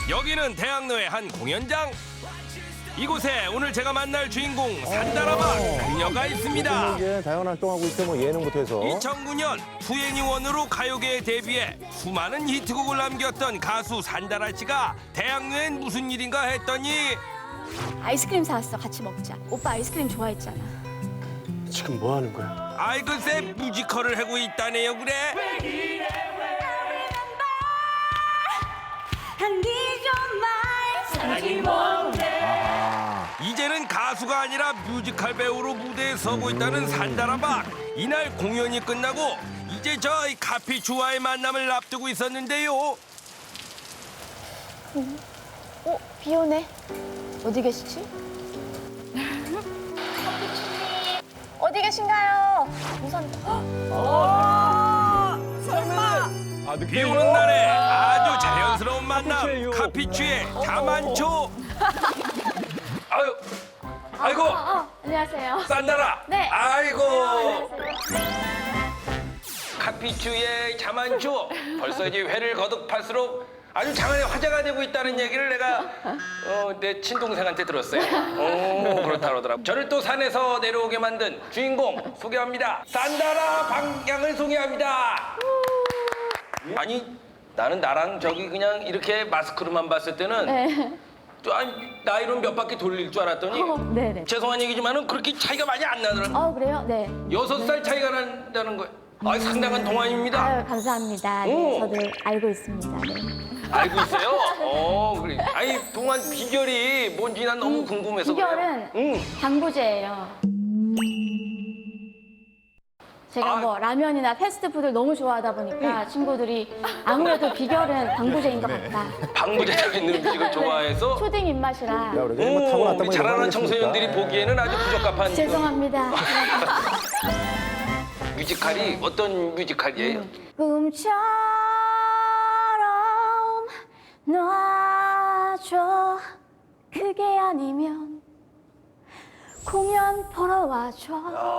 여기는 대학로의 한 공연장. 이곳에 오늘 제가 만날 주인공 산다라박 그녀가 있습니다. 이제 다양한 활동하고 있어, 뭐 예능부터 해서. 2009년 투애니원으로 가요계에 데뷔해 수많은 히트곡을 남겼던 가수 산다라 씨가 대학로엔 무슨 일인가 했더니 아이스크림 사왔어. 같이 먹자. 오빠 아이스크림 좋아했잖아. 지금 뭐 하는 거야? 아이 글쎄 뮤지컬을 하고 있다네요 그래. 이제는 가수가 아니라 뮤지컬 배우로 무대에 서고 있다는 산다라박. 이날 공연이 끝나고 이제 저희 카피추와의 만남을 앞두고 있었는데요. 비 오네. 어디 계시지? 어디 계신가요? 우선. 설마. 비 오는 날에 아주 자연스러운 만남. 카피추의 자만초. 아유, 아이고, 안녕하세요. 산다라. 네. 아이고. 안녕하세요. 카피추의 자만초. 벌써 이제 회를 거듭할수록 아주 장안에 화제가 되고 있다는 얘기를 내가 내 친동생한테 들었어요. 그렇다 그러더라고. 저를 또 산에서 내려오게 만든 주인공 소개합니다. 산다라 방향을 소개합니다. 아니 나는 나랑 저기 그냥 이렇게 마스크로만 봤을 때는 네. 아니, 나이로 몇 바퀴 돌릴 줄 알았더니 네네. 죄송한 얘기지만은 그렇게 차이가 많이 안 나더라고. 그래요? 네. 6살 차이가 난다는 거예요. 상당한 동안입니다. 아유, 감사합니다. 네, 오. 저도 알고 있습니다. 네. 알고 있어요? 그래. 아니 동안 비결이 뭔지 난 너무 궁금해서 비결은 그래요. 당구제예요. 제가 아. 뭐 라면이나 패스트푸드를 너무 좋아하다 보니까 친구들이 아무래도 비결은 당구제인 것 같다. 방부제적 있는 음식을 좋아해서 초딩 입맛이라. 야, 우리 뭐 타고났다 우리 뭐 자라는 이런 거 청소년들이 아니겠습니까? 보기에는 아주 부적합한 죄송합니다. 뮤지컬이 어떤 뮤지컬이에요? 꿈처럼 놔줘. 그게 아니면 공연 보러 와줘.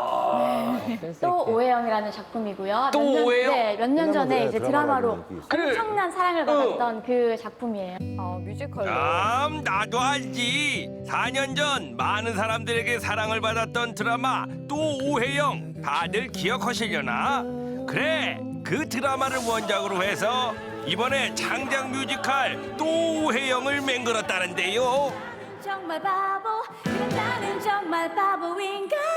또 오해영이라는 작품이고요. 또 오해영? 네, 몇 년 전에 이제 드라마로 그래. 엄청난 사랑을 받았던 그 작품이에요. 뮤지컬로. 나도 알지. 4년 전 많은 사람들에게 사랑을 받았던 드라마 또 오해영 다들 기억하시려나? 그래 그 드라마를 원작으로 해서 이번에 창작 뮤지컬 또 오해영을 맹글었다는데요. 정말 바보, 그래 나는 정말 바보인가?